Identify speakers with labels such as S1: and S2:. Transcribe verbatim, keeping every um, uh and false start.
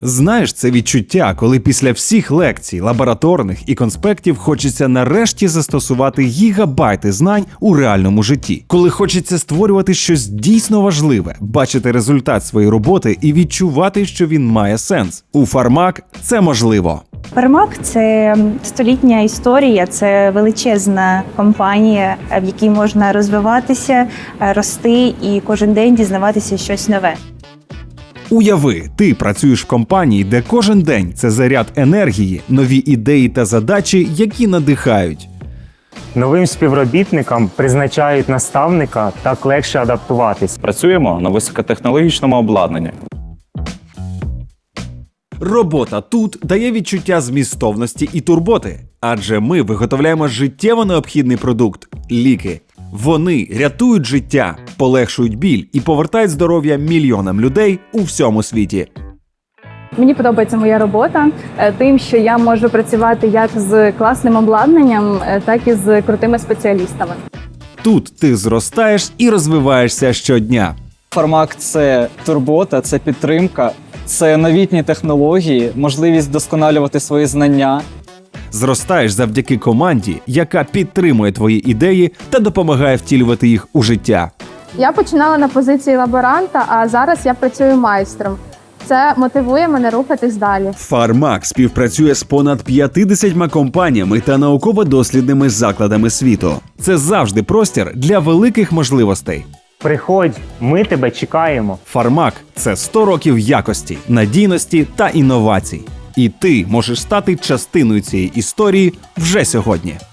S1: Знаєш, це відчуття, коли після всіх лекцій, лабораторних і конспектів хочеться нарешті застосувати гігабайти знань у реальному житті. Коли хочеться створювати щось дійсно важливе, бачити результат своєї роботи і відчувати, що він має сенс. У Фармак це можливо.
S2: Фармак – це столітня історія, це величезна компанія, в якій можна розвиватися, рости і кожен день дізнаватися щось нове.
S1: Уяви, ти працюєш в компанії, де кожен день – це заряд енергії, нові ідеї та задачі, які надихають.
S3: Новим співробітникам призначають наставника, так легше адаптуватись.
S4: Працюємо на високотехнологічному обладнанні.
S1: Робота тут дає відчуття змістовності і турботи, адже ми виготовляємо життєво необхідний продукт – ліки. Вони рятують життя, полегшують біль і повертають здоров'я мільйонам людей у всьому світі.
S5: Мені подобається моя робота тим, що я можу працювати як з класним обладнанням, так і з крутими спеціалістами.
S1: Тут ти зростаєш і розвиваєшся щодня.
S6: Фармак – це турбота, це підтримка, це новітні технології, можливість вдосконалювати свої знання.
S1: Зростаєш завдяки команді, яка підтримує твої ідеї та допомагає втілювати їх у життя.
S7: Я починала на позиції лаборанта, а зараз я працюю майстром. Це мотивує мене рухатись далі.
S1: Фармак співпрацює з понад п'ятдесятьма компаніями та науково-дослідними закладами світу. Це завжди простір для великих можливостей.
S3: Приходь, ми тебе чекаємо.
S1: Фармак – це сто років якості, надійності та інновацій. І ти можеш стати частиною цієї історії вже сьогодні.